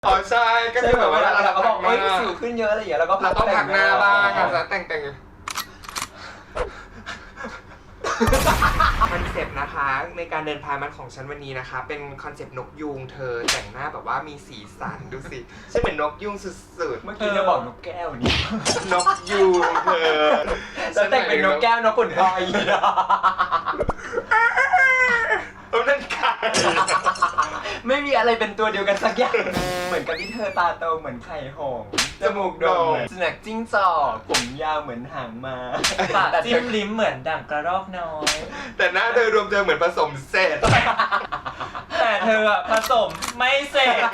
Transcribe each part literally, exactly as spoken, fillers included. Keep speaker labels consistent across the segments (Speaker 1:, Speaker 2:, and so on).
Speaker 1: อ๋อใช่ก็คือแบบว่าเรา
Speaker 2: เราก็บอก
Speaker 1: เอ้
Speaker 2: เอ้ยสิวขึ้นเยอะอะไรอย่างเงี้ยแล้วก็
Speaker 1: เราต้องพักหน้าบ้างอาจจะแต่งแต่งคอนเซปต์นะคะในการเดินพายมันของฉันวันนี้นะคะเป็นคอนเซปต์นกยูงเธอแต่งหน้าแบบว่ามีสีสันดูสิฉันเหมือนนกยูงสุดๆ
Speaker 2: เมื่อกี้จะบอกนกแก้วนี่
Speaker 1: นกยูงเธอ
Speaker 2: แล้วแต่งเป็นนกแก้วนกขุนทองอีกอ่ะ
Speaker 1: เออนั่นไก่
Speaker 2: ไม่มีอะไรเป็นตัวเดียวกันสักอย่างเหมือนกับที่เธอตาโตเหมือนไข่หงส์จมูกโด่งเหมือนสุนัขจิ้งจอกผมยาวเหมือนหางม้าปากจิ้มลิ้มเหมือนด่างกระรอกน้อย
Speaker 1: แต่หน้าเธอรวมเธอเหมือนผสมเสร็จ
Speaker 2: แต่เธอผสมไม่เสร็จ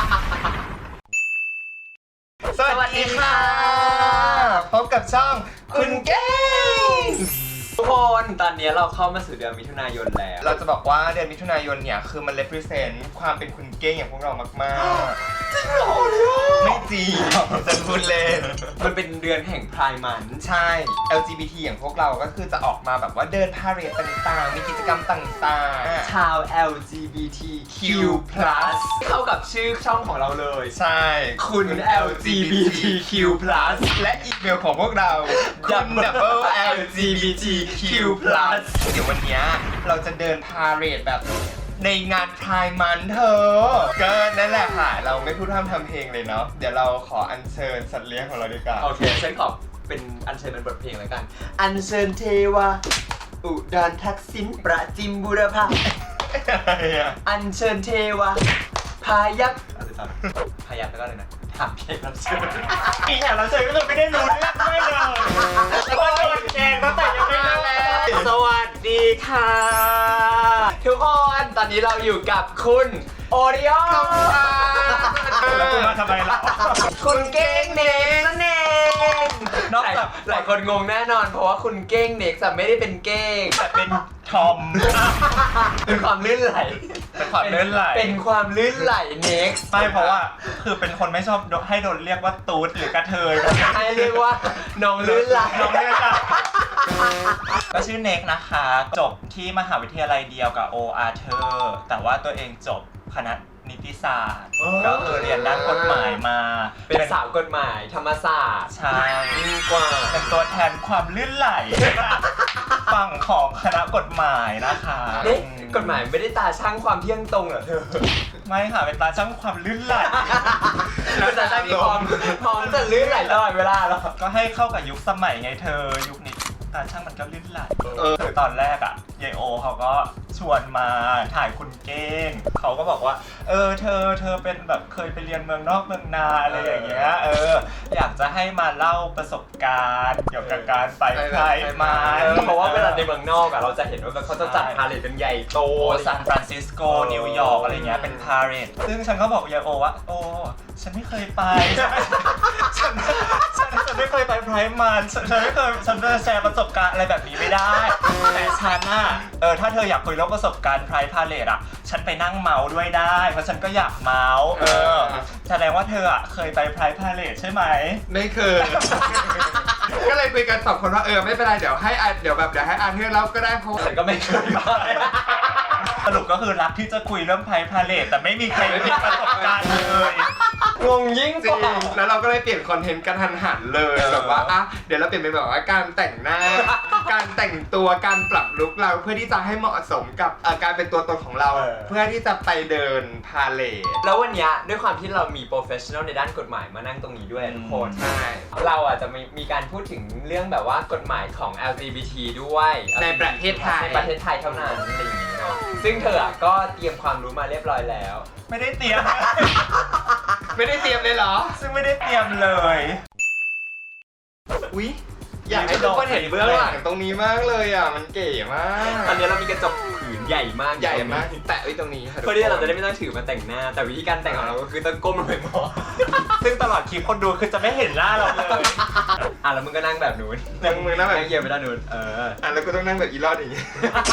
Speaker 1: สวัสดีค่ะพบกับช่องคุณเก้ง
Speaker 2: ทุกคนตอนนี้เราเข้ามาสู่เดือนมิถุนายนแล้ว
Speaker 1: เราจะบอกว่าเดือนมิถุนายนเนี่ยคือมัน represent ความเป็นคุณเก้งอย่างพวกเรามากๆจริงเหรอไม่จริงจะพูดเล่น
Speaker 2: มันเป็นเดือนแห่งพรายมัน
Speaker 1: ใช่ แอล จี บี ที อย่างพวกเราก็คือจะออกมาแบบว่าเดินพาเหรดต่างๆ มีกิจกรรมต่างๆ
Speaker 2: ชาว แอล จี บี ที คิว พลัส เข้ากับชื่อช่องของเราเลย
Speaker 1: ใช่
Speaker 2: คุณ แอล จี บี ที คิว พลัส
Speaker 1: และอีเมลของพวกเราคุณ double แอล จี บี ที คิว พลัส เดี๋ยววันนี้เราจะเดินพาเหรดแบบในงานพรายมันเธอก็นั่นแหละค่ะ เราไม่พูดพร่ำทำเพลงเลยเนาะเดี๋ยวเราขออัญเชิญสัตว์เลี้ยงของเราดีกว่า
Speaker 2: โอเคฉันขอเป็นอัญเชิญเป็นบทเพลงแล้วกัน อัญเชิญเทวาอุดรทักษิณประจิมบุรพาอัญเชิญเทวาพายักอะไรต่อพายักแล้วก็เลยนะถามเพลงรับเชิญอีแถวรับเชิญก็คือไม่ได้รู้เรื่องด้วยเลยแล้วก็โดนแกงตั้งแต่ยังไม่เริ่มสวัสดีค่ะทุกคนตอนนี้เราอยู่กับคุณโอริโอแล้วคุณมาทำไมล่ะคุณเก้งเน็กนั่นเองนอกจากหลายคนงงแน่นอนเพราะว่าคุณเก้งเน็กจะไม่ได้เป็นเก้งแต่เป็นทอมเป็นความลื่นไหล
Speaker 3: เป็นความลื่นไหล
Speaker 2: เป็นความลื่นไหลเน็ก
Speaker 3: ไม่เพราะว่าคือเป็นคนไม่ชอบให้โดนเรียกว่าตูดหรือกระเทย
Speaker 2: ให้เรียกว่าน้องลื่นไหล
Speaker 3: น้องเรียกอะก็ชื่อเน็กนะคะจบที่มหาวิทยาลัยเดียวกับโออาร์เธอร์แต่ว่าตัวเองจบคณะนิติศาสตร์ก็คือเรียนด้านกฎหมายมา
Speaker 2: เป็นสาวกฎหมายธรรมศาสตร์
Speaker 3: ใช่
Speaker 2: ยิ่งกว่า
Speaker 3: เป็นตัวแทนความลื่นไหลฝั่งของคณะกฎหมายนะคะ
Speaker 2: เอ๊ะกฎหมายไม่ได้ตาช่างความเที่ยงตรงเหรอเธอ
Speaker 3: ไม่ค่ะเป็นตาช่างความลื่นไหล
Speaker 2: เป็นตาช่างที่พร้อมพร้อมจะลื่นไหลตลอดเวลาหรอ
Speaker 3: ก็ให้เข้ากับยุคสมัยไงเธอยุคนี้ตาช่างมันก็ลื่นไหลคือตอนแรกอ่ะยายโอเขาก็ชวนมาถ่ายคุณเก้งเขาก็บอกว่าเออเธอเธอเป็นแบบเคยไปเรียนเมืองนอกเมืองนาอะไรอย่างเงี้ยเอออยากจะให้มาเล่าประสบการณ์เกี่ยวกับการไปไพร์มา
Speaker 2: เพราะว่าเวลาในเมืองนอกอะเราจะเห็นว่าเขาจะจัดพาเลทกันใหญ่โต
Speaker 3: โอ้ซานฟรานซิสโกนิวยอร์กอะไรเงี้ยเป็นพาเรดซึ่งฉันก็บอกยายโอว่าโอ้ฉันไม่เคยไปฉันฉันฉันไม่เคยไปไพร์มันฉันไม่เคยฉันจะแชร์ประสบการณ์อะไรแบบนี้ไม่ได้แต่ฉันน่ะเออถ้าเธออยากคุยเรื่องประสบการณ์ไพร์พาเลทอ่ะฉันไปนั่งเมาส์ด้วยได้เพราะฉันก็อยากเมาส์เออแสดงว่าเธออ่ะเคยไปไพร์พาเลทใช่ไหม
Speaker 1: ไม่เคย ก็เลยคุยกันสองคนว่าเออไม่เป็นไรเดี๋ยวให้อาเดี๋ยวแบบเดี๋ยวให้อาเธอร์เล่าก็ได้เพราะ
Speaker 2: ฉันก็ไม่เคยมา
Speaker 3: สรุปก็คือรักที่จะคุยเรื่องไพร์พาเลทแต่ไม่มีใครมีประสบการณ์เลย
Speaker 2: งงยิ่ง
Speaker 1: จ
Speaker 2: ก
Speaker 1: ริง
Speaker 2: ว่า
Speaker 1: แล้วเราก็เลยเปลี่ยนคอนเทนต์กันทันหันเลยแบบว่าอ่ะเดี๋ยวเราเปลี่ยนเป็นแบบว่าการแต่งหน้า การแต่งตัวการปรับลุคเราเพื่อที่จะให้เหมาะสมกับเอ่อการเป็นตัวตนของเรา เพื่อที่จะไปเดินพาเลท
Speaker 2: แล้ววันนี้ด้วยความที่เรามีโปรเฟชชั่นอลในด้านกฎหมายมานั่งตรงนี้ด้วยทุกคน
Speaker 1: ใช่
Speaker 2: เราอ่ะจะมีมีการพูดถึงเรื่องแบบว่ากฎหมายของ แอล จี บี ที ด้วย
Speaker 1: ในประเทศไทย
Speaker 2: ในประเทศไทยเท่านั้นอะไรอย่างงี้เนาะซึ่งเธออ่ะก็เตรียมความรู้มาเรียบร้อยแล้ว
Speaker 3: ไม่ได้เตรียม
Speaker 1: ไม่ได้เตรียมเลยเหรอ
Speaker 3: ซึ่งไม่ได้เตรียมเลย
Speaker 1: อุ๊ยอยากให้ทุกคนเห็นเบื้องหลังตรงนี้มากเลยอ่ะมันเก๋มาก
Speaker 2: ตอนนี้เรามีกระจกผืนใหญ่มาก
Speaker 1: ใหญ่มากแตะไว้ตรงนี้ค่ะทุก
Speaker 2: เพื่อ
Speaker 1: คน
Speaker 2: ที่เราจะได้ไม่ต้องถือมาแต่งหน้า แต่วิธีการแต่งของเราก็คือต้องก้มลงไปมอง
Speaker 3: ซึ่งตลอดคลิปคนดูคือจะไม่เห็นหน้าเราเลย
Speaker 2: อ่ะแล้วมึงก็นั่งแบบนู้น
Speaker 1: นั่งมือนั่งแบบ
Speaker 2: นั่งเยียงไปด้านนู้นเออ
Speaker 1: อ่ะแล้วก็ต้องนั่งแบบอีรอดอย่างงี้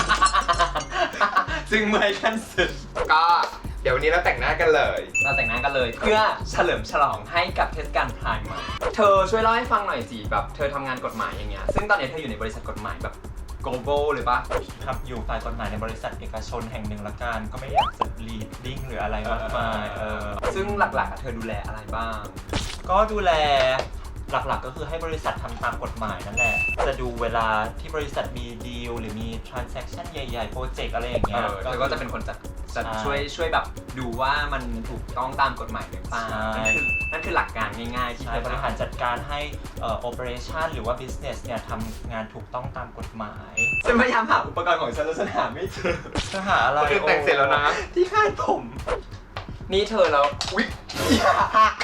Speaker 2: ซึ่งเมื่อยขั้นสุด
Speaker 1: ก็เดี๋ยววันนี้เราแต่งหน้ากันเลย
Speaker 2: เราแต่งหน้ากันเลย เพื่อเฉลิมฉลองให้กับเทศกาลพรายมันเธอช่วยเล่าให้ฟังหน่อยสิแบบเธอทำงานกฎหมายอย่างเงี้ยซึ่งตอนนี้เธออยู่ในบริษัทกฎหมายแบบโกโก้เลยปะ
Speaker 3: ทำอยู่ฝ่ายกฎหมายในบริษัทเอกชนแห่งหนึ่งละกันก็ไม่อยากจะ leading หรืออะไรมากมายเออ
Speaker 2: ซึ่งหลักๆอะเธอดูแลอะไรบ้าง
Speaker 3: ก็ดูแลหลักๆก็คือให้บริษัททำตามกฎหมายนั่นแหละจะดูเวลาที่บริษัทมีดีลหรือมี transaction ใหญ่ๆโปรเจกต์อะไรอย่าง
Speaker 2: เอ
Speaker 3: เงี้ย
Speaker 2: อเธอก็จะเป็นคนจัดจัด
Speaker 3: ใช่
Speaker 2: ช่วยช่วยแบบดูว่ามันถูกต้องตามกฎหมายหรือเปล่า
Speaker 3: ใช่
Speaker 2: นั่นคือนั่นคือหลักการง่ายๆที่
Speaker 3: ใช่
Speaker 2: เธอบ
Speaker 3: ริหารจัดการให้เอ่อ operation หรือว่า business เนี่ยทำงานถูกต้องตามกฎหมาย
Speaker 2: ฉันพยายามหาอุปกรณ์ของฉันแล้วฉันหาไม่เจอ
Speaker 3: จะหาอะไร
Speaker 1: คือแต่งเสร็จแล้วนะ
Speaker 2: ที่คาดผม นี่เธอแล้วอุ๊ยอย่าหัก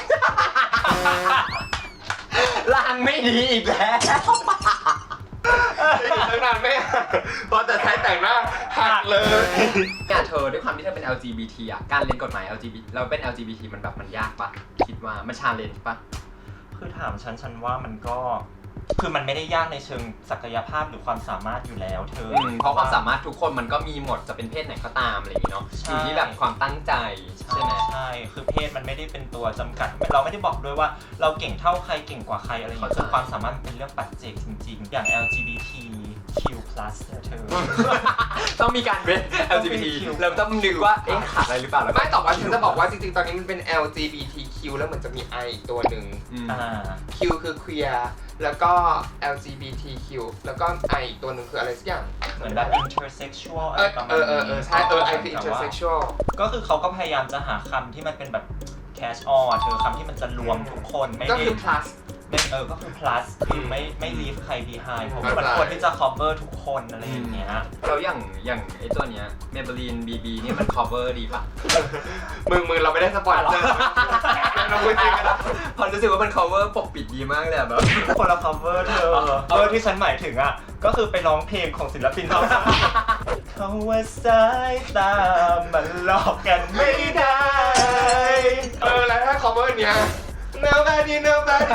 Speaker 2: ลางไม่ดีอีกแล้ว
Speaker 1: ตั้งนานไม่พอแต่ใช้แต่งหน้าหักเลย
Speaker 2: เนี่ยเธอด้วยความที่เธอเป็น แอล จี บี ที อ่ะการเรียนกฎหมาย แอล จี บี ที เราเป็น แอล จี บี ที มันแบบมันยากปะคิดว่ามันชาเลนจ์ปะ
Speaker 3: คือถามฉันฉันว่ามันก็คือมันไม่ได้ยากในเชิงศักยภาพหรือความสามารถอยู่แล้วเธอ
Speaker 2: อืมเพราะความสามารถทุกคนมันก็มีหมดจะเป็นเพศไหนก็ตามอะไรอย่างงี้เนาะ
Speaker 3: ใช่
Speaker 2: อยู่ที่แบบความตั้งใจใช่ไหม
Speaker 3: ใช่ คือเพศมันไม่ได้เป็นตัวจำกัด เราไม่ได้บอกด้วยว่าเราเก่งเท่าใครเก่งกว่าใครอะไรอย่างเงี้ย
Speaker 2: เข้าใจ
Speaker 3: คือความสามารถมันเป็นเรื่องปัจเจกจริงๆ อย่าง แอล จี บี ที คิว พลัส เนี่ยเธอ
Speaker 2: ต้องมีการเว้น แอล จี บี ที เราต้องนึกว่าเอ๊ะขาดอะไรหรือเปล่าแล้วก็
Speaker 1: ไม่ต่อว่าฉันจะบอกว่าจริงๆ ตอนนี้มันเป็น แอล จี บี ที คิว แล้วเหมือนจะมี I อีกตัวหนึ่ง
Speaker 2: อืม
Speaker 3: อ่า
Speaker 1: Q คือ queer แล้วก็ แอล จี บี ที คิว แล้วก็ I อีกตัวหนึ่งคืออะไรสักอย่าง
Speaker 3: เหมือนแบบ intersexual อะ
Speaker 1: เอ
Speaker 3: ไร
Speaker 1: อ
Speaker 3: ประมาณ
Speaker 1: เออเออเออใช่เออ I คือ
Speaker 3: แต่ว่า
Speaker 1: intersexual
Speaker 3: ก็คือเขาก็พยายามจะหาคำที่มันเป็นแบบ catch all อะเธอคำที่มันจะรวมทุกคนไม่
Speaker 1: ก็
Speaker 3: ได้
Speaker 1: คือ plus
Speaker 3: เป็นเออ ก็คือ plus คือไม่ไม่ leave ใคร behind เพราะว่ามัน
Speaker 1: เข้าใจ
Speaker 3: ควรที่จะ cover ทุกคนอะไรอย่างเงี้ย
Speaker 2: แล้วอย่างอย่างไอ้ตัวเนี้ย Maybelline บี บี นี่มัน cover ดีปะ
Speaker 1: มึงมึงเราไม่ได้สปอยล์เจอร์เราพูดจริงกันนะ
Speaker 2: พอรู้สึกว่ามัน cover ปกปิดดีมากเลยอะแบบ
Speaker 3: คนละ cover เธอ เออที่ฉันหมายถึงอ่ะ ก็คือไปร้องเพลงของศิลปินเขาเขาว่าสายตามันหลอกกันไม่ได้
Speaker 1: เออแล้วถ้า cover เนี้ย nobody nobody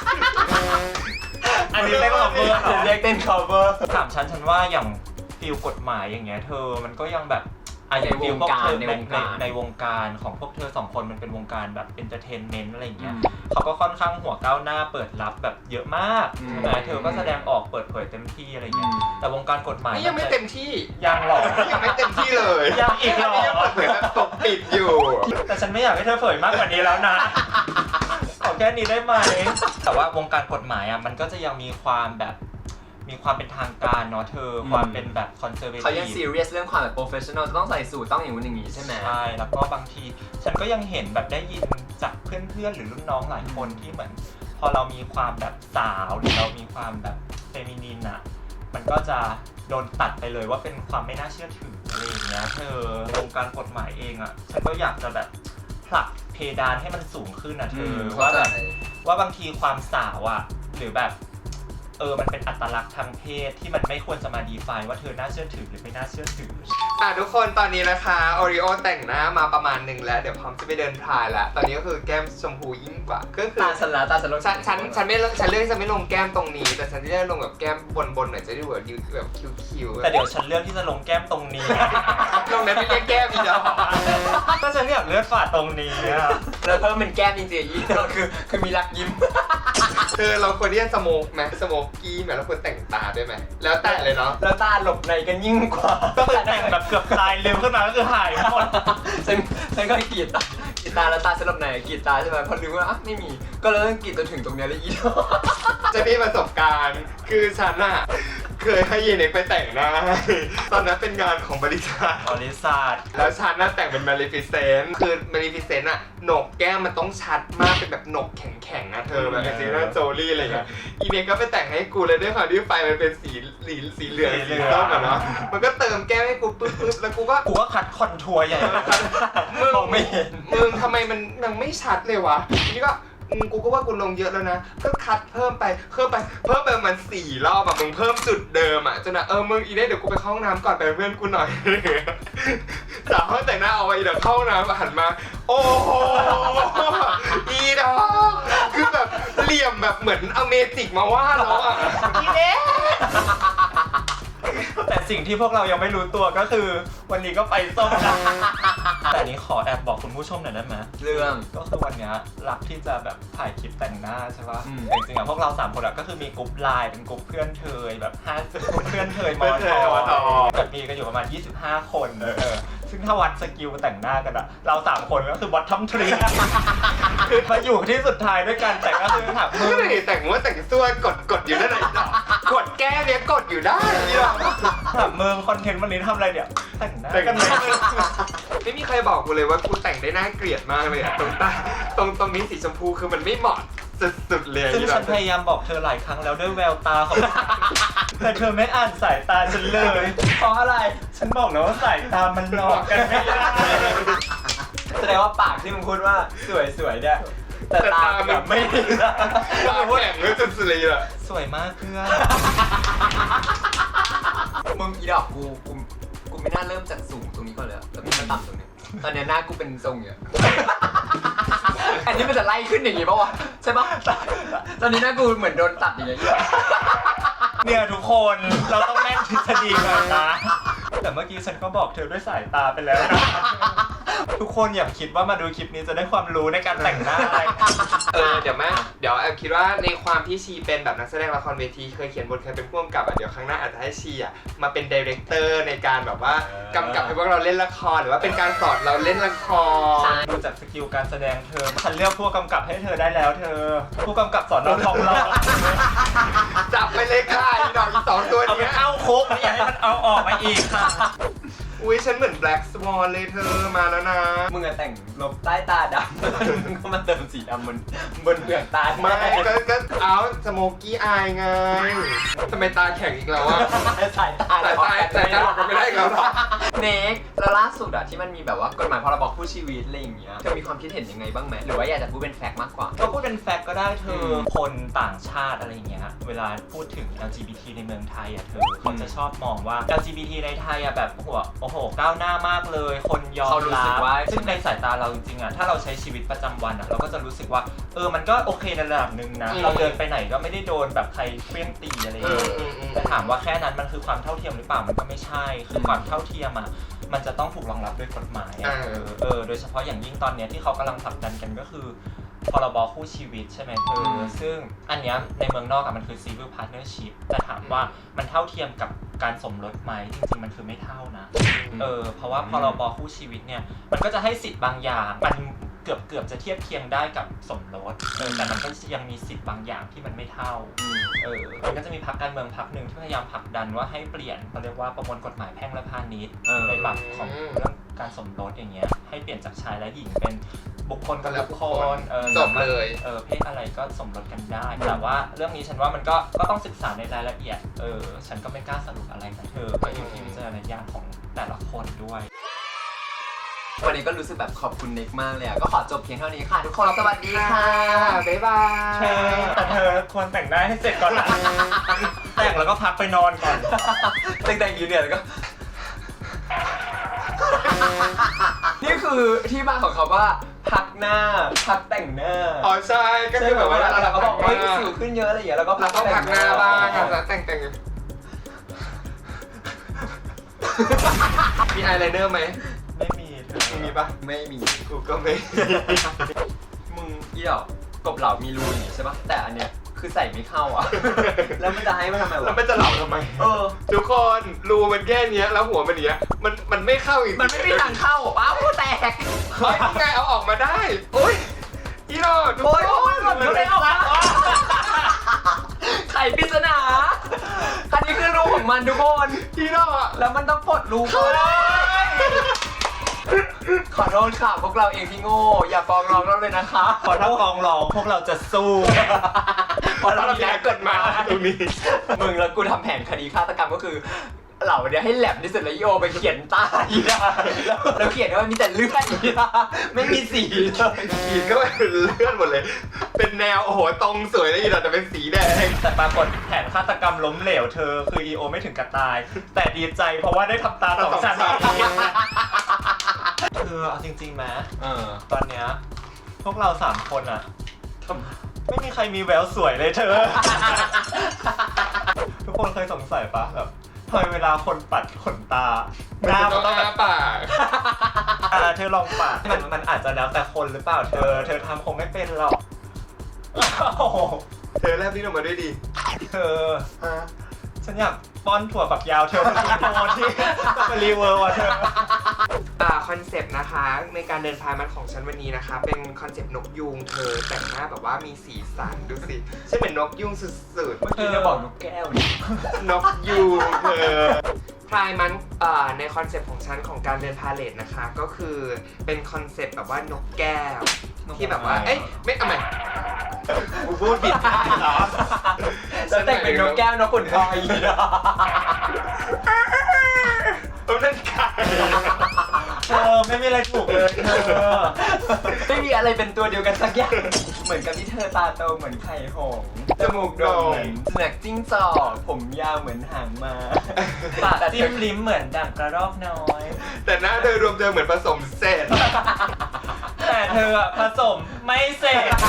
Speaker 3: อันนี้เรียกว่า cover เหรอ
Speaker 2: เรียกเต้น cover
Speaker 3: ถามฉันฉันว่าอย่างฟิลกฎหมายอย่างเงี้ยเธอมันก็ยังแบบอ่ะอย่างฟิลพวกเธอ
Speaker 2: ใน
Speaker 3: ใน
Speaker 2: วงการ
Speaker 3: ในในวงการของพวกเธอสองคนมันเป็นวงการแบบเอนเตอร์เทนเมนต์อะไรอย่างเงี้ย
Speaker 2: อืม
Speaker 3: เขาก็ค่อนข้างหัวก้าวหน้าเปิดรับแบบเยอะมาก
Speaker 2: อืม
Speaker 3: ใช่ไหมเธอก็แสดงออกเปิดเผยเต็มที่อะไรเงี้ย
Speaker 2: อืม
Speaker 3: แต่วงการกฎหมาย
Speaker 1: นี่ยังไม่เต็มที่
Speaker 3: ยังหรอก
Speaker 1: ยังไม่เต็มที่เลย
Speaker 3: ยังอีกเหรอ
Speaker 1: นนี้ยังเปิดเผยแบบปกปิดอยู่
Speaker 3: แต่ฉันไม่อยากให้เธอเผยมากกว่านี้แล้วนะ ขอแค่นี้ได้ไหม แต่ว่าวงการกฎหมายอ่ะมันก็จะยังมีความแบบมีความเป็นทางการเนาะเธอ
Speaker 2: อืม
Speaker 3: ความเป็นแบบคอนเซอร์เวทีฟ
Speaker 2: เขายัง serious เรื่องความแบบ professional จะต้องใส่สูทต้องอย่างนู้นอย่างนี้ใช่ไหม
Speaker 3: ใช่ แล้วก็บางทีฉันก็ยังเห็นแบบได้ยินจากเพื่อนๆหรือรุ่นน้องหลายคนที่เหมือน พอเรามีความแบบสาวหรือเรามีความแบบเฟมินินอะมันก็จะโดนตัดไปเลยว่าเป็นความไม่น่าเชื่อถืออะไรอย่างเงี้ยเธอวงการกฎหมายเองอะฉันก็อยากจะแบบผลักเพดานให้มันสูงขึ้นนะเธอ
Speaker 2: ม
Speaker 3: ว่าแบบ
Speaker 2: เข้าใจ
Speaker 3: ว่าบางทีความสาวอะหรือแบบเออมันเป็นอัตลักษณ์ทางเพศที่มันไม่ควรจะมาดีไฟว่าเธอน่าเชื่อถือหรือไม่น่าเชื่อถือ
Speaker 1: อ่ะทุกคนตอนนี้นะคะโอริโอแต่งหน้ามาประมาณหนึ่งแล้วเดี๋ยวพร้อมจะไปเดินพายแล้วตอนนี้ก็คือแก้มชมพูยิ่งกว่าก็คือ
Speaker 2: ตาฉันละตาฉันลง
Speaker 1: ฉันฉันฉันไม่เลือกฉันเลือกที่จะไม่ลงแก้มตรงนี้ แต่ฉันจะเลือกลงแบบแก้มบนบนๆหน่อยจะได้แบบดูแบบคิ้วๆ
Speaker 3: แต่เดี๋ยวฉันเลือกที่จะลงแก้มตรงนี้
Speaker 1: ลงนั้นไม่เรียกแก้มอีกแล้ว
Speaker 3: ก็ฉันอยากเลือดฝาดตรงนี้อะ
Speaker 2: แล้วเพิ่มเป็นแก้มจริงๆอีกคือคือมีรักยิ้ม
Speaker 1: เธอเราควรที่จะสโมกไหมสโมกกี้ไหมเราควรแต่งตาด้วยไหมแล้วแต่เลยเนาะ
Speaker 2: แล้วตาหลบในกันยิ่งกว่า
Speaker 3: ก็คือแต่งแบบเกือบตายเร็วขึ้นมาก็คือหายหมด
Speaker 2: ฉันฉันก็กรีดตากรีดตาแล้วตาฉันหลบในกรีดตาใช่ไหมพอรู้ว่าอ่ะไม่มีก็เลยต้องกรีดจนถึงตรงเนี้ยเลยอีดอก
Speaker 1: จะมีประสบการณ์คือฉันอะเคยให้เยเน็กไปแต่งหน้าให้ตอนนั้นเป็นงานของบริษัท
Speaker 3: บริษัท
Speaker 1: แล้วฉันน่ะแต่งเป็น Maleficent คือ Maleficent อะโหนกแก้มมันต้องชัดมากเป็นแบบโหนกแข็งๆอะเธอแบบเป็นซีน่าโจลี่อะไรเงี้ยอีเน็กก็ไปแต่งให้กูเลยด้วยความที่ไฟมันเป็นสีสีสีเหลืองสีส้มอะเนาะมันก็เติมแก้มให้กูปึ๊บๆแล้วกูก็
Speaker 3: กูก็คัดคอนทัวร์ใหญ่
Speaker 1: มึง
Speaker 3: มองไม่เห็น
Speaker 1: มึงทำไมมันยังไม่ชัดเลยวะทีนี้ก็อืมกูก็ว่ากูลงเยอะแล้วนะ ก็คัดเพิ่มไปเพิ่มไปเพิ่มไปประมันสี่รอบอะมึงเพิ่มจุดเดิมอะจนอะเออมึงอีเน่เดี๋ยวกูไปเข้าห้องน้ำก่อนไปเป็นเพื่อนกูหน่อย สาวห้องแต่งหน้าเอาไว้เดี๋ยวเข้าห้องน้ำหันมา โอ้โหอีดอกคือแบบเหลี่ยมแบบเหมือนเอาเมจิกมาว่าเราอะอีเน่
Speaker 3: แต่สิ่งที่พวกเรายังไม่รู้ตัวก็คือ วันนี้ก็ไปส้มนะแต่อันนี้ขอแอบบอกคุณผู้ชมหน่อยได้ไหม
Speaker 2: เรื่อง
Speaker 3: ก็คือวันเนี้ยรักที่จะแบบถ่ายคลิปแต่งหน้าใช่ปะ
Speaker 2: อืม
Speaker 3: แต่จริงๆอะพวกเราสามคนอะก็คือมีกลุ่มไลน์เป็นกลุ่มเพื่อนเทยแบบห้าเพื่อนเทยมอ
Speaker 1: เพื่อนเท
Speaker 3: ท
Speaker 1: ยมอท
Speaker 3: แบบมีกันอยู่ประมาณยี่สิบห้าคนเออซึ่งถ้าวัดสกิลแต่งหน้ากันอะเราสามคนก็คือวัดทัมทรีคือมาอยู่ที่สุดท้ายด้วยกันแต่ก็คือถามมึง
Speaker 1: เฮ้ยแต่งว่าแต่งตัวกดกดอยู่นั่นแหละกดแก้เนี้ยกดอยู่ได้เนี่ย
Speaker 3: ถามมึงคอนเทนต์วันนี้ทำอะไรเนี่ยแต่งหน้า
Speaker 1: แต่ง
Speaker 3: กันไหม
Speaker 1: ไม่มีใครบอกกูเลยว่ากูแต่งได้น่าเกลียดมากเลยอะตรงใต้ตรงตรงนี้สีชมพูคือมันไม่เหมาะสุดๆเลย
Speaker 3: ซึ่งฉันพยายามบอกเธอหลายครั้งแล้วด้วยแววตาของ แต่เธอไม่อ่านสายตาฉันเลย เพราะอะไร ฉันบอกแล้วว่าสายตามันหลอกกันไม่ได้
Speaker 2: แสดงว่าปากที่มึงพูดว่าสวยๆเนี่ยแต่ตาแบบไม่ดี
Speaker 1: ตาแข็งเลยสุดๆเลยอะ
Speaker 3: สวยมากเพื่อน
Speaker 2: มึงอีดอกกูกูกูไม่น่าเริ่มจากสูงตรงนี้ก่อนเลยอะแล้วมันต่ำตรงนี้ตอนเนี้ยหน้ากูเป็นทรงอย่างเงี้ย อันนี้มันจะไล่ขึ้นอย่างงี้ป่าวะใช่ปะตอนนี้หน้ากูเหมือนโดนตัดอย่างเงี้ย
Speaker 3: เนี่ยทุกคนเราต้องแม่นทฤษฎีก่อนนะ แต่เมื่อกี้ฉันก็บอกเธอด้วยสายตาไปแล้วนะ ทุกคนอย่าคิดว่ามาดูคลิปนี้จะได้ความรู้ในการแต่งหน้าอะไร
Speaker 1: เออเดี๋ยวแม่เดี๋ยวแอมคิดว่าในความที่ชีเป็นแบบนักแสดงละครเวทีเคยเขียนบทเคยเป็นผู้กำกับอ่ะเดี๋ยวครั้งหน้าอาจจะให้ชีอ่ะมาเป็นดีเรคเตอร์ในการแบบว่ากำกับให้พวกเราเล่นละครหรือว่าเป็นการสอนเราเล่นละคร
Speaker 3: ดูจากสกิลการแสดงเธอฉันเลือกผู้กำกับให้เธอได้แล้วเธอ ผู้กำกับสอนเราทองหล่อ
Speaker 1: จับไปเลยค่ะอีดอกอีสองตัว
Speaker 3: เอาไป
Speaker 1: เนี้ย
Speaker 3: เข้าคุกไม่อยากให้มันเอาออกมาอีกค่ะ
Speaker 1: อุ้ยฉันเหมือนแบล็กสวอนเลยเธอมาแล้วนะ
Speaker 2: มึงอะแต่งลบใต้ตาดำ มึงก็มาเติมสีดำบนบนเปลือกตา
Speaker 1: ไม่ก็ก็เอาสโมกี้อายไงทำไมตาแข็งอีกแล้วอะ
Speaker 2: สายตา
Speaker 1: สายตาสายตาบอกกันไม่ได้อีกแล้วเหรอ
Speaker 2: เน็กแล้วล่าสุดอะที่มันมีแบบว่ากฎหมายพรบคู่ชีวิตอะไรอย่างเงี้ยเธอมีความคิดเห็นยังไงบ้างไหมหรือว่าอยากจะพูดเป็นแฟกต์มากกว่า
Speaker 3: ก็พูดเป็นแฟกต์ก็ได้เธอ คนต่างชาติอะไรอย่างเงี้ย เวลาพูดถึง แอล จี บี ที ในเมืองไทยอ่ะเธอเขาจะชอบมองว่า แอล จี บี ที ในไทยอ่ะแบบโอ้โหโอ้โหก้าวหน้ามากเลย คนยอม
Speaker 2: เขารู้
Speaker 3: รั
Speaker 2: สึกว่า
Speaker 3: ซึ่งในสายตาเราจริงๆอ่ะถ้าเราใช้ชีวิตประจำวันอ่ะเราก็จะรู้สึกว่าเออมันก็โอเคในระดับหนึ่งนะ
Speaker 1: อืม
Speaker 3: เราเดินไปไหนก็ไม่ได้โดนแบบใครเฟี้ยงตีอะไรอย่างเงี้ย
Speaker 1: อืมอืม
Speaker 3: แต่ถามว่าแค่นั้นมันคือความเท่าเทียมหรือเปล่ามันก็ไม่ใช่ คือความเท่าเทียมอ่ะมันจะต้องถูกรองรับด้วยกฎหมายอ่ะ
Speaker 1: อ่า
Speaker 3: เออเออโดยเฉพาะอย่างยิ่งตอนเนี้ยที่เขากำลังผลักดันกันก็คือพรบคู่ชีวิตใช่ไหมเธออซึ่งอันเนี้ยในเมืองนอกอะมันคือ civil partnership แต่ถามว่ามันเท่าเทียมกับการสมรสไหมจริงๆมันคือไม่เท่านะเออเพราะว่าพรบคู่ชีวิตเนี่ยมันก็จะให้สิทธิ์บางอย่างมันเกือบเกือบจะเทียบเคียงได้กับสมรสเออแต่มันก็ยังมีสิทธิ์บางอย่างที่มันไม่เท่าเออมันก็จะมีพรรคการเมืองพรรคหนึ่งที่พยายามผลักดันว่าให้เปลี่ยนเขาเรียกว่าประมวลกฎหมายแพ่งและพาณิชย์
Speaker 2: เออ
Speaker 3: ในบัตรของเรื่องการสมรสอย่างเงี้ยให้เปลี่ยนจากชายและหญิงเป็นบุคคลกับบุคคลเออ
Speaker 1: จบเลย
Speaker 3: เออเพศอะไรก็สมรสกันได้ แต่ว่าเรื่องนี้ฉันว่ามันก็ก็ต้องศึกษาในรายละเอียดเออฉันก็ไม่กล้าสรุปอะไรนะเธอก็อยู่ที่วิจารณญาณของแต่ละคนด้วย
Speaker 2: วันนี้ก็รู้สึกแบบขอบคุณเน็กมากเลยอะก็ขอจบเพียงเท่านี้ค่ะทุกคนสวัสดีค่ะ
Speaker 1: บ๊ายบาย
Speaker 3: เธอแต่เธอควรแต่งหน้าให้เสร็จก่อนนะแต่งแล้วก็พักไปนอนก่อน
Speaker 2: แต่งแต่งอยู่เนี่ยแล้วก็ นี่คือที่มาของเขาว่าพักหน้าพักแต่งหน้า
Speaker 1: อ๋อใช่ก็คือแบบว่า
Speaker 2: เราก็บอก
Speaker 1: พั
Speaker 2: เฮ้ย
Speaker 1: หน้า
Speaker 2: สิวขึ้นเยอะอะไรอย่างเงี้ยแล้วก็
Speaker 1: เราต้องพักหน้าบ้างครับแล้วแต่งแต่งมีอายไลเนอร์ไหม
Speaker 3: ไม่มีเธอ
Speaker 1: มีปะ
Speaker 2: ไม่มี
Speaker 1: กูก็ไม่
Speaker 2: มึงอีดอกกบเหล่ามีรูอย่างงี้ใช่ปะแต่อันเนี้ยคือใส่ไม่เข้าอ่ะ แล้วมันจะให้มันทำไม
Speaker 1: แล้ว
Speaker 2: วะ
Speaker 1: มันจะเหล่าทำไม
Speaker 2: เออ
Speaker 1: ทุกคนรูมันแค่เนี้ยแล้วหัวมันเนี้ยมันมันไม่เข้าอีก
Speaker 2: มันไม่มีทางเข้าว้าวแตก
Speaker 1: เฮ้ยยังไงเอาออกมาได้โอ้ยอีโร่ทุก
Speaker 2: โอ้ย
Speaker 1: ค
Speaker 2: โอ้ย
Speaker 1: น
Speaker 2: หล่นอยู่ในออกมาไข่ปริศนาอันนี้คือรูของมันทุกคน
Speaker 1: อีโร่
Speaker 2: แล้วมันต้องปลดรูก่อนขอโทษค่ะพวกเราเองที่โง่อย่าฟ้องร้องเราเลยนะคะ
Speaker 3: พอถ้าฟ้องร้องพวกเราจะสู้
Speaker 2: เพราะเรา
Speaker 1: เรา
Speaker 2: มี
Speaker 1: แก้
Speaker 2: การ
Speaker 1: กฎหมายตรงนี้
Speaker 2: มึงแล้วกูทำแผนคดีฆาตกรรมก็คือเหล่าเนี้ยให้แหลมที่สุดแล้วอีโอไปเขียนใต้นะแล้วแล้วเขียนว่ามีแต่เลือดอีนะไม่มีสีเลย
Speaker 1: ขีดก็เป็นเลื่อนหมดเลย เป็นแนวโอ้โหตรงสวยเลยอีโร่แต่เป็นสีแดง
Speaker 3: แต่ปรากฏแผนฆาตกรรมล้มเหลวเธอคืออีโอไม่ถึงกับตาย แต่ดีใจเพราะว่าได้ทำตาสองชั้นเธอเอาจริงๆไหม
Speaker 2: เออ
Speaker 3: ตอนเนี้ยพวกเราสามคนอะไม่มีใครมีแววสวยเลยเธอ ทุกคนเคยสงสัยปะแบบทำไมเวลาคนปัดขนตาหน้ามันต้องแบบ
Speaker 1: ปาก
Speaker 3: อ่าเธอลองปัดมันมันอาจจะแล้วแต่คนหรือเปล่าเธอ เธอทำคงไม่เป็นหรอกโอ้โห
Speaker 1: เธอแลบลิ้นออกมาด้วยดิ
Speaker 3: เธอ
Speaker 1: ฮะ
Speaker 3: ฉันอยากป้อนถั่วฝักยาวเธอมากินโมที่ต้องมารีเวิร์ว่ะเธอ
Speaker 1: อ่าคอนเซปต์นะคะในการเดินพายมันของฉันวันนี้นะคะ เป็นคอนเซปต์นกยูงเธอแต่งหน้าแบบว่ามีสีสันดูสิฉันเป็นนกยูงสุด
Speaker 2: เมื่อกี้จะบอกนกแก้วนี่
Speaker 1: ๆนกยูงเธอพายมันอ่าในคอนเซปต์ของฉันของการเดินพาเลทนะคะ ก็คือเป็นคอนเซปต์แบบว่านกแก้วที่แบบว่าเอ้ยไม่เอาใหม่กูพูดผิดเหรอ
Speaker 2: แล้วแต่งเป็นนกแก้วนกขุนทองอีกเหรอ
Speaker 1: เออนั่นไก่
Speaker 3: เธอไม่มีอะไรถูกเลยเธอ
Speaker 2: ไม่มีอะไรเป็นตัวเดียวกันสักอย่าง เหมือนกับที่เธอตาโตเหมือนไข่หงส์จมูกโด่งเหมือนสุนัขจิ้งจอกผมยาวเหมือนหางม้า
Speaker 3: ปากจิ้มลิ้มเหมือนดังกระรอกน้อย
Speaker 1: แต่หน้าเธอรวมเธอเหมือนผสมเสร็จ
Speaker 3: แต่เธออะผสมไม่เสร็จ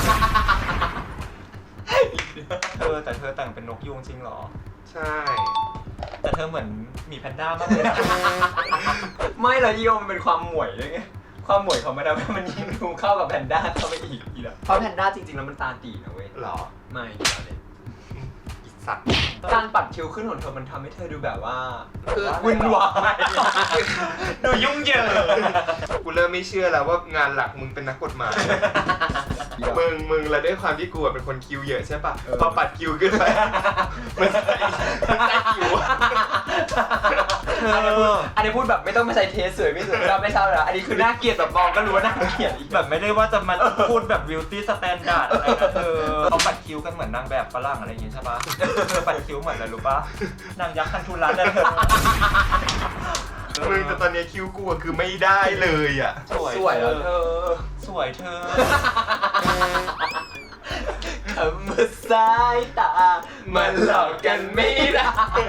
Speaker 3: เธอแต่เธอแต่งเป็นนกยูงจริงเหรอ
Speaker 1: ใช่
Speaker 3: แต่เธอเหมือนหมีแพนด้ามากเลยนะ
Speaker 2: ไม่หรอกโยมมันเป็นความหมวยด้วยไง ความหมวยของมันทำให้มันยิ่งดูเข้ากับแพนด้าเข้าไปอีกอีกแล้วเพราะแพนด้าจริงๆแล้วมันตาตีนะเว้ย
Speaker 1: หรอ
Speaker 2: ไม่เดี๋ยวเลย
Speaker 1: อีสัตว์
Speaker 2: การปัดคิ้วขึ้นของเธอมันทำให้เธอดูแบบว่า
Speaker 1: คือ
Speaker 2: วุ่นวาย
Speaker 3: ดูยุ่งเหยิง
Speaker 1: กูเริ่มไม่เชื่อแล้วว่างานหลักมึงเป็นนักกฎหมาย มึงมึงแล้วด้วยความที่กูอะเป็นคนคิวเยอะใช่ปะพอปัดคิวขึ้นไปมันใส่มันใส่คิว
Speaker 2: อันนี้พูดอันนี้พูดแบบไม่ต้องมาใส่เทสสวยไม่สวยเราไม่เช่าแล้วอันนี้คือน่าเกลียดแบบมองก็รู้ว่าน่าเกลียดอีก
Speaker 3: แบบไม่ได้ว่าจะมาพูดแบบ beauty standard อะไรนะเธอเขาปัดคิ้วกันเหมือนนางแบบฝรั่งอะไรอย่างงี้ใช่ปะเธอปัดคิ้วเหมือนอะไรรู้ปะนางยักษ์คันธุรัตน์อะเธอ
Speaker 1: มึงแต่ตอนนี้คิวกูอะคือไม่ได้เลยอ่ะ
Speaker 3: สวย
Speaker 2: สวยแล้วเธอ
Speaker 3: สวยเธอ
Speaker 2: คำว่าสายตา มันหลอกกันไม่ได้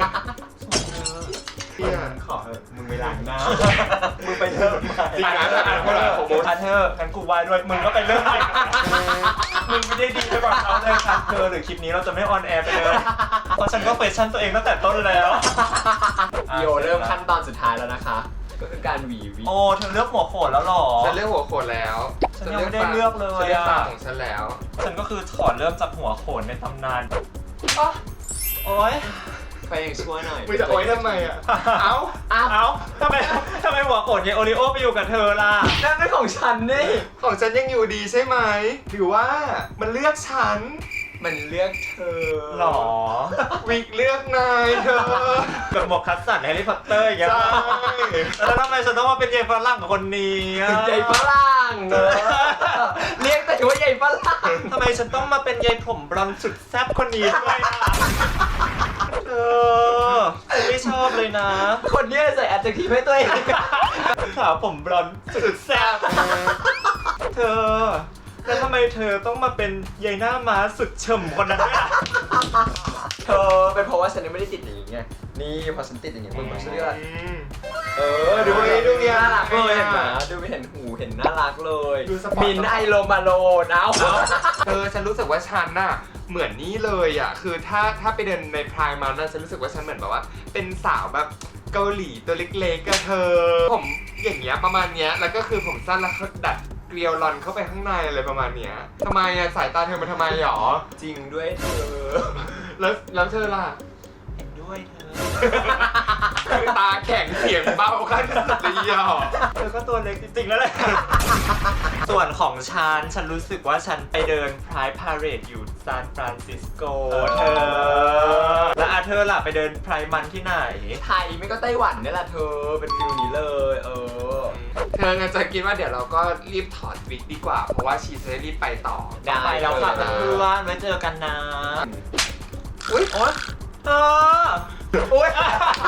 Speaker 1: เนี่ย
Speaker 2: ขอเถอะมึงไปล้างหน้า มึงไปเถอะ
Speaker 1: จริงนะแต่อ่านเขาหลังของโม
Speaker 3: คันเธองั้นกูวายด้วยมึงก็ไปเลิกมึงไม่ได้ดีไปกว่าเขาเลยค่ะเธอหรือคลิปนี้เราจะไม่ออนแอร์ไปเลยเพราะฉันก็เฟชั่นตัวเองตั้งแต่ต้นแล้ว
Speaker 2: โยเริ่มขั้นตอนสุดท้ายแล้วนะคะ ก็คือการหวีวิ
Speaker 3: โอ้เธอเลือกหัวโขนแล้วหรอ
Speaker 1: ฉันเลือกหัวโขนแล้ว
Speaker 3: ฉันยังไม่ได้เลือกเลย
Speaker 1: ฉันเลือก
Speaker 3: อะ
Speaker 1: ตาของฉันแล้ว
Speaker 3: ฉันก็คือถอดเริ่มจากหัวโขนในตำนานโอ๊ย
Speaker 2: ใครยังชั่วหน่อย
Speaker 1: มึงจะโอ๊ยทำไมอ่ะ เอ้า
Speaker 2: อ้าว
Speaker 3: เอ้าทำไมทำไมหัวโขนยายโอริโอไปอยู่กับเธอล่ะ
Speaker 2: นั่นเป็นของฉันนี่
Speaker 1: ของฉันยังอยู่ดีใช่ไหมหรือว่ามันเลือกฉัน
Speaker 2: มันเลือกเธอ
Speaker 3: หรอ
Speaker 1: วิกเลือกนายเธอ
Speaker 3: กับหมวกคัสสันแฮร์รี่พอตเตอร์อย่างเงี้ย
Speaker 1: ใช่
Speaker 3: แล้วทำไมฉันต้องมาเป็นยายฝรั่งกับคนนี้อะ
Speaker 2: ใหญ่ฝรั่งเนอะเรียกแต่ว่าใหญ่ฝรั่ง
Speaker 3: ทำไมฉันต้องมาเป็นยายผมบลอนด์สุดแซ่บคนนี้ด้วยล่ะเออฉันไม่ชอบเลยนะ
Speaker 2: คนเนี้ยใส่ adjective ให้ตัวเอง
Speaker 3: สาวผมบลอนด์สุดแซ่บเธอแล้วทำไมเธอต้องมาเป็นยายหน้าม้าสุดเฉ่ำคนนั้นด้วยล่ะ
Speaker 2: เธอเป็นเพราะว่าฉันยังไม่ได้ติดอย่างงี้ไง นี่พอฉันติดอย่างงี้มึงมาเชื่อ
Speaker 1: อืม
Speaker 2: เออดู
Speaker 1: ดูดิดูดิ
Speaker 2: น่ารักเลย
Speaker 1: อ่ะ
Speaker 2: เห็นไหมดูไม่เห็นหูเห็นน่ารักเลย
Speaker 1: ดูสปอร์ต
Speaker 2: มินไอโลมาโลนเอา
Speaker 1: เธอฉันรู้สึกว่าฉันน่ะเหมือนนี่เลยอ่ะคือถ้าถ้าไปเดินในพรายมันน่ะฉันรู้สึกว่าฉันเหมือนแบบว่า เป็นสาวแบบเกาหลีตัวเล็กๆกับเธอ ผมอย่างเงี้ยประมาณเนี้ยแล้วก็คือผมสั้นแล้วเขาดัดเกลียวรอนเข้าไปข้างในอะไรประมาณเนี้ยทำไมอ่ะสายตาเธอมันทำไมหรอ
Speaker 2: จริงด้วยเธอ
Speaker 1: แล้วแล้วเธอล่ะ
Speaker 3: เห็นด้วยเธอ
Speaker 1: คือตาแข็งเสียงเบาขั้นสุดเลยอ่ะ
Speaker 3: เธอก็ตัวเล็กจริงๆแล้วแหละ ส่วนของฉัน ฉันรู้สึกว่าฉันไปเดินพายพาเรดอยู่ซานฟรานซิสโกเธอ แล้วอาเธอล่ะไปเดินพายมันที่ไหน
Speaker 2: ไทยไม่ก็ไต้หวันนี่แหละเธอเป็นฟิลนี้เลย เออ
Speaker 1: เธอจะคิดว่าเดี๋ยวเราก็รีบถอดวิกดีกว่า เพราะว่าชีจะได้รีบไปต่อ
Speaker 2: ได้
Speaker 3: ไปแล้วค่ะ
Speaker 1: เลยนะ
Speaker 3: เพื่อนไว้เจอกันนะ
Speaker 2: อุ้ยโอ๊ย
Speaker 3: เธออุ้ย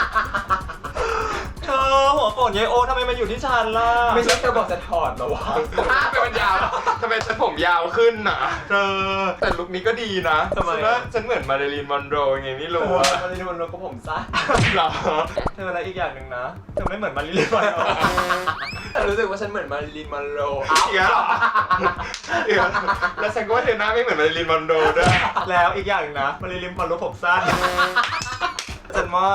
Speaker 3: เธอหัวโขนยายโอทำไมมาอยู่ที่ฉันล่ะ
Speaker 2: ไม่ใช่เธอบอกจะถอดเหรอวะ
Speaker 1: อ้าวเป็นมันยาวทำไมฉันผมยาวขึ้นน่ะ เธอ แต่ลุคนี้ก็ดีนะ
Speaker 2: ทำไม
Speaker 1: ฉันว่าฉันเหมือนมาริลีนมอนโรไงไม่รู้
Speaker 2: โอ้
Speaker 1: อะ
Speaker 2: มันเลยมันลงกับผมซะ
Speaker 1: เหรอ
Speaker 3: เธอแล้วอีกอย่างหนึ่งนะ เธอไม่เหมือนมาริลีนวันหรอ
Speaker 2: รู้สึกว่าฉันเหมือนมาริลีนมอนโร
Speaker 1: อีกแล้วเหรออีกแล้วแล้วฉันก็ว่าเธอหน้าไม่เหมือนมาริลีนมอนโรด้วย
Speaker 3: แล้วอีกอย่างหนึ่งนะมาริลีนพอรู้ผมสั้นฉันว่า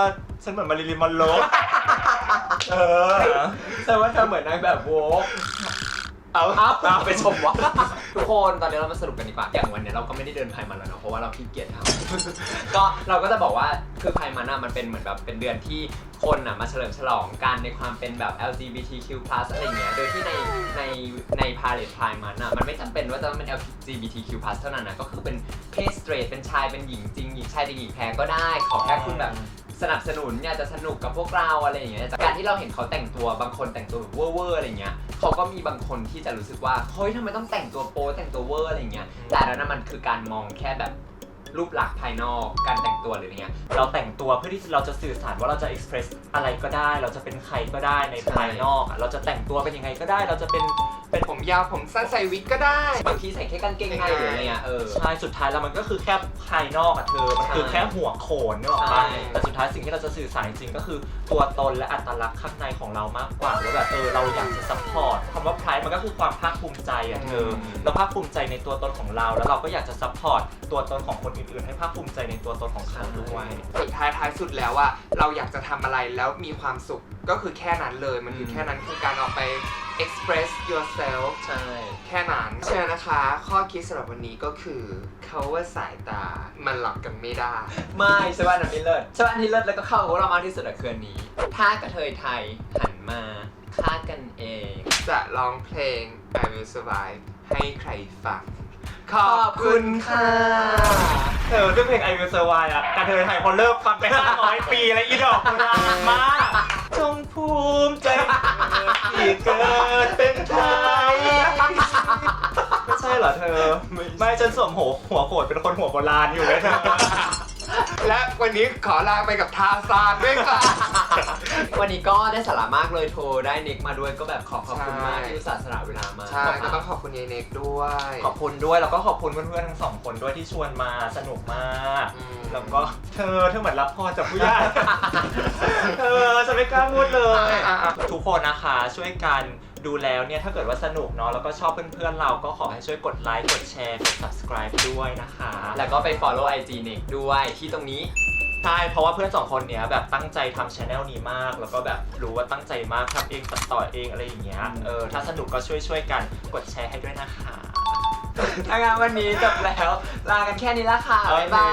Speaker 3: ฉันเหมือนมาริลีนมอนโรเออ
Speaker 2: แต่ว่าเธอเหมือนนางแบบโวก
Speaker 1: เอา
Speaker 2: เอาเอาไปชมวะทุกคนตอนนี้เรามาสรุปกันดีกว่าอย่างวันนี้เราก็ไม่ได้เดินไพมันแล้วเนาะเพราะว่าเราขี้เกียจทำ ก็เราก็จะบอกว่าคือไพมันอะมันเป็นเหมือนแบบเป็นเดือนที่คนอะมาเฉลิมฉลองกันในความเป็นแบบ แอล จี บี ที คิว พลัส อะไรเงี้ยโดยที่ในในในพาเลทไพมันอะมันไม่จำเป็นว่าจะต้องเป็น แอล จี บี ที คิว พลัส เท่านั้นนะก็คือเป็นเพศสเตรทเป็นชายเป็นหญิงจริงหญิงชายจริงหญิงแท้ก็ได้ขอแค่คุณแบบสนับสนุนอยากจะสนุกกับพวกเราอะไรอย่างเงี้ยจากการที่เราเห็นเขาแต่งตัวบางคนแต่งตัวแบบเวอร์ๆอะไรเงี้ยเขาก็มีบางคนที่จะรู้สึกว่าเฮ้ยทำไมต้องแต่งตัวโป๊แต่งตัวเวอร์อะไรเงี้ยแต่แล้วนั่นมันคือการมองแค่แบบรูปลักษณ์ภายนอกการแต่งตัวหรืออะไรเงี้ย
Speaker 3: เราแต่งตัวเพื่อที่เราจะสื่อสารว่าเราจะ express อะไรก็ได้ เราจะเป็นใครก็ได้ในภายนอกอะเราจะแต่งตัวเป็นยังไงก็ได้ เราจะเป็นเป็น
Speaker 1: ผมยาวผมสั้นใส่วิกก็ได้
Speaker 2: บางทีใส่แค่กางเกงในหรืออะไรเงี้ยเออ
Speaker 3: ใช่สุดท้ายแล้วมันก็คือแค่ภายนอกอะเธอ มันคือแค่หัวโขนนึกออกปะ
Speaker 2: ใช่
Speaker 3: แต่สุดท้ายสิ่งที่เราจะสื่อสารจริงๆก็คือตัวตนและอัตลักษณ์ข้างในของเรามากกว่าว่าแบบเออเราอยากจะ support คำว่า pride มันก็คือความภาคภูมิใจอะเธอเราภาคภูมิใจในตัวตนของเรา แล้วเราก็อยากจะ support ตัวตนของคนอื่นๆให้ภาคภูมิใจในตัวตนของเขาด้วย
Speaker 1: สุดท้ายท้ายสุดแล้วว่าเราอยากจะทำอะไรแล้วมีความสุขก็คือแค่นั้นเลยมันคือแค่นั้นคือการออกไป express yourself
Speaker 2: ใช่
Speaker 1: แค่นั้นเชื่อนะคะ ข้อคิดสำหรับวันนี้ก็คือเขาว่าสายตามันหลอกกันไม่ได้
Speaker 2: ไม่ใช่ว่าอันนี้เลิศใช่ว่าอันนี้เลิศแล้วก็เข้ากับพวกเรามากที่สุดอะคืออันนี้ ถ้ากระเทยไทยหันมาฆ่ากันเอง
Speaker 1: จะร้องเพลง I Will Survive ให้ใครฟัง ขอบคุณค่ะ
Speaker 3: เออด้วยเพลง I Will Survive อ่ะกระเทยไทยพอเลิกฟังไปห้าร้อยปีแล้วอีดอกมันนานมากจงภูมิใจที่เกิดเป็นไทยไม่ใช่เหรอเธอ ไม่ฉันสวมหัวหัวโขดเป็นคนหัวโบราณอยู่เลยเธอ
Speaker 1: และวันนี้ขอลาไปกับทาซานด้วยค่ะ
Speaker 2: วันนี้ก็ได้สาระมากเลยโทรได้นิกมาด้วยก็แบบขอขอบคุณมาก
Speaker 1: ใช่
Speaker 2: ที่อุตส่าห์สละเวลามา
Speaker 1: ใช่ก็ต้องขอบคุณยายเน็กด้วย
Speaker 3: ขอบคุณด้วยแล้วก็ขอบคุณเพื่อนๆทั้งสองคนด้วยที่ชวนมาสนุกมาก
Speaker 1: อืม
Speaker 3: แล้วก็เธอเธอเหมือนรับพรจากผู้ใหญ่ เธอจะไม่กล้าพูดเลย
Speaker 1: อ่ะอ่ะ
Speaker 3: ทุกคนนะคะช่วยกันดูแล้วเนี่ยถ้าเกิดว่าสนุกเนาะแล้วก็ชอบเพื่อนๆเราก็ขอให้ช่วยกดไลค์กดแชร์กด subscribe ด้วยนะคะ
Speaker 2: แล้วก็ไป follow ไอ จี นิกด้วยที่ตรงนี้
Speaker 3: ใช่เพราะว่าเพื่อนสองคนเนี้ยแบบตั้งใจทำช anel นี้มาก แล้วก็แบบรู้ว่าตั้งใจมากทำเองตัดต่อเองอะไรอย่างเงี้ยเออถ้าสนุกก็ช่วยช่วยๆกันกดแชร์ให้ด้วยนะคะ
Speaker 2: ถ้างั้นวันนี้จบแล้ว ลากันแค่นี้ละค่ะ บ๊ายบาย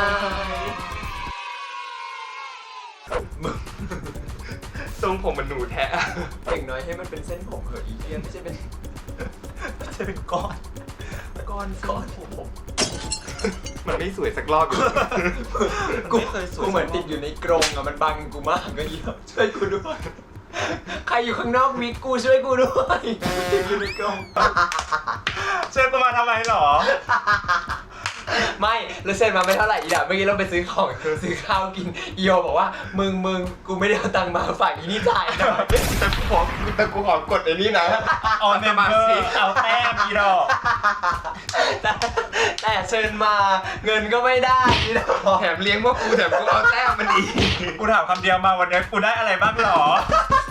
Speaker 1: ทรงผมมันหนูแท้
Speaker 2: อย่างน้อยให้มันเป็นเส้นผมเหอะอีเทียไม่ใช่เป็น
Speaker 3: จะเป็นก้อนก้อน
Speaker 2: ก้อนผม
Speaker 1: มันไม่สวยสักรอบอยู่
Speaker 2: กู
Speaker 3: ไม่เคยสวย
Speaker 2: กูเหมือนติดอยู่ในกรงอะมันบังกูมากก็เยอะช่วยกูด้วย ใครอยู่ข้างนอกมิกกูช่วยกูด้วยติดอยู่ในกรง
Speaker 3: เชิญกูมาทำไมหรอ
Speaker 2: ไม่แล้วเซ็นมาไม่เท่าไหร่อีดาเมื่อกี้เราไปซื้อของซื้อข้าวกินอีโอบอกว่ามึงมึงกูไม่ได้เอาตังค์มาฝากอีนี่จ่ายหน่อย
Speaker 1: แต่กูขอแต่กูขอกดไอ้นี่นะ
Speaker 3: ออนเมมเบอร์เอาแต้มอีดอก
Speaker 2: แต่แต่เชิญมาเงินก็ไม่ได้อีดอก
Speaker 1: แถมเลี้ยงพวกกูแถมกูเอาแต้มมันอีก
Speaker 3: กูถามคำเดียวมาวันนี้กูได้อะไรบ้างหรอ